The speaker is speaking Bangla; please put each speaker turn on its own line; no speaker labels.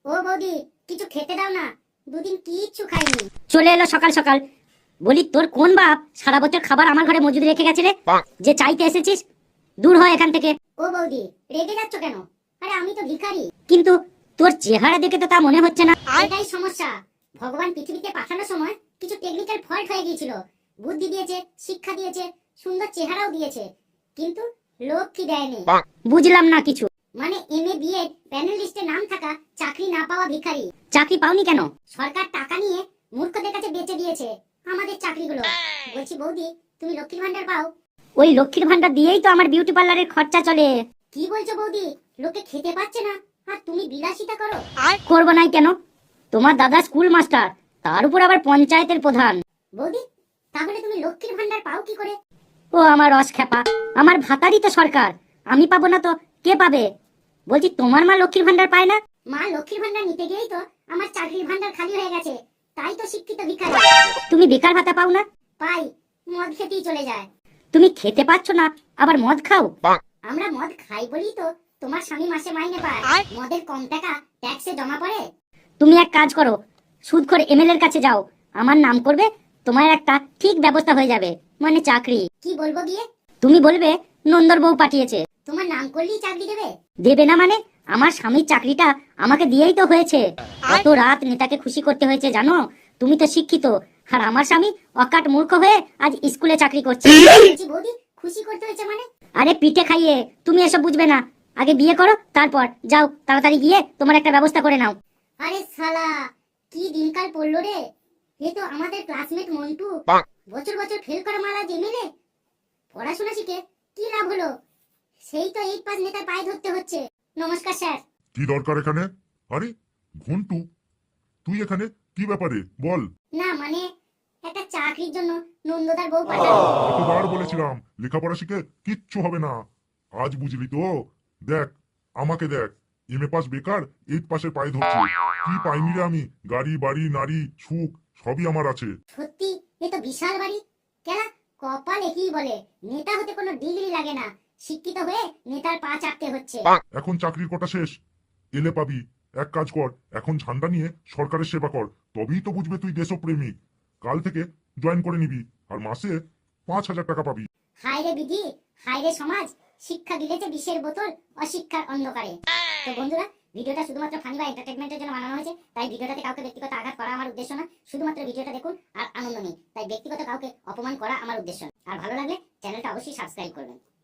ও বৌদি, কিছু খেতে দাও না, দুদিন কিচ্ছু খাইনি।
চলে এলো সকাল সকাল। বলি তোর কোন বাপ সারা বছর খাবার আমার ঘরে মজুদ রেখে গেছে রে, যে চাইতে এসেছিস? দূর হয় এখান থেকে।
ও বৌদি, রেগে যাচ্ছ কেন? আরে আমি তো ভিখারি।
কিন্তু তোর চেহারা দেখে তো তা মনে হচ্ছে না।
এটাই সমস্যা। ভগবান পৃথিবীতে পাঠানোর সময় কিছু টেকনিক্যাল ফল্ট হয়ে গিয়েছিল। বুদ্ধি দিয়েছে, শিক্ষা দিয়েছে, সুন্দর চেহারাও দিয়েছে, কিন্তু লক্ষ্মী দেয়নি।
বুঝলাম না কিছু।
মানে এমএ বিএ প্যানেল লিস্টে নাম থাকা চাকরি না পাওয়া ভিখারি।
চাকরি পাওনি কেন?
সরকার টাকা নিয়ে মূর্খদের কাছে বেচে দিয়েছে আমাদের চাকরিগুলো। বলছি বৌদি, তুমি লক্ষ্মীর ভান্ডার পাও?
ওই লক্ষ্মীর ভান্ডার দিয়েই তো আমার বিউটি পার্লারের খরচা চলে।
কি বলছো বৌদি? লোকে খেতে পাচ্ছে না আর তুমি বিলাসিতা করো?
করবো নাই কেন? তোমার দাদা স্কুল মাস্টার, তার উপর আবার পঞ্চায়েতের প্রধান।
বৌদি, তাহলে তুমি লক্ষ্মীর ভান্ডার পাও কি করে?
ও আমার রস খেপা, আমার ভাতারই তো সরকার, আমি পাবো না তো কে পাবে? বলছি তোমার মা লক্ষ্মীর ভান্ডার পায় না?
মা লক্ষ্মীর ভান্ডার নিতে গিয়েই তো আমার চাকরির ভান্ডার খালি হয়ে গেছে, তাই তো শিক্ষিত ভিখারি।
তুমি বেকার ভাতা পাও না?
পাই, মদ খেতেই চলে যায়।
তুমি খেতে পাচ্ছ না আবার মদ খাও?
আমরা মদ খাই বলি তো তোমার স্বামী মাসে মাইনে পায়। মদের কম টাকা ট্যাক্সে জমা পড়ে।
তুমি এক কাজ করো, সুদখোর এমএলএ এর কাছে যাও, আমার নাম করবে, তোমার একটা ঠিক ব্যবস্থা হয়ে যাবে, মানে চাকরি।
কি বলবো গিয়ে?
তুমি বলবে নন্দর বউ পাঠিয়েছে।
তোমার নাম করলেই চাকরি দেবে?
দেবে না মানে? আমার স্বামীর চাকরিটা আমাকে দিয়েই তো হয়েছে। কত রাত নেতাকে খুশি করতে হয়েছে জানো? তুমি তো শিক্ষিত, আর আমার স্বামী অকাট মূর্খ হয়ে আজ স্কুলে চাকরি করছে।
বলছি বৌদি, খুশি করতে হয়েছে মানে?
আরে পিঠে খাইয়ে। তুমি এসব বুঝবে না, আগে বিয়ে করো, তারপর যাও তাড়াতাড়ি গিয়ে তোমার একটা ব্যবস্থা করে নাও।
আরে শালা, কি দিনকাল পড়লো রে। এ তো আমাদের ক্লাসমেট মন্টু, বছর বছর ফেল করা মারা এমএলএ। পড়াশোনা শিখে কি লাভ হলো? সেই তো 8 পাস নেতার পায়ে ধরতে হচ্ছে। নমস্কার স্যার।
কি দরকার এখানে? আরে ঘন্টু, তুই এখানে কি ব্যাপারে বল?
না মানে, একটা চাকরির জন্য নন্দদার বউ পাঠালো।
কতবার বলেছিলাম লেখাপড়া শিখে কিচ্ছু হবে না, আজ বুঝলি তো? দেখ আমাকে দেখ, এমএ পাস বেকার, 8 পাসের পায়ে ধরছি। কি পাইনি রে আমি? গাড়ি বাড়ি নারী সুখ সবই আমার আছে।
সত্যি, এ তো বিশাল বাড়ি। কেলা, কপাল একই বলে, নেতা হতে কোনো ডিগ্রি লাগে না, শিক্ষিত হয়ে নেতার পা চাটতে হচ্ছে।
এখন চাকরির কোটা শেষ, এলে পাবি। এক কাজ কর, এখন ঝান্ডা নিয়ে সরকারের সেবা কর, তবেই তো বুঝবে তুই দেশপ্রেমিক। কাল থেকে জয়েন করে নিবি, আর মাসে 5,000 টাকা পাবি।
হায় রে বিধি, হায় রে সমাজ, শিক্ষা গিলেছে বিষের বোতল অশিক্ষার অন্ধকারে। তো বন্ধুরা, ভিডিওটা শুধুমাত্র ফানি বা এন্টারটেইনমেন্টের জন্য বানানো হয়েছে, তাই ভিডিওটাতে কাউকে ব্যক্তিগত আঘাত করা আমার উদ্দেশ্য না। শুধুমাত্র ভিডিওটা দেখুন আর আনন্দ নিন, তাই ব্যক্তিগত কাউকে অপমান করা আমার উদ্দেশ্য না। আর ভালো লাগলে চ্যানেলটা অবশ্যই সাবস্ক্রাইব করবেন।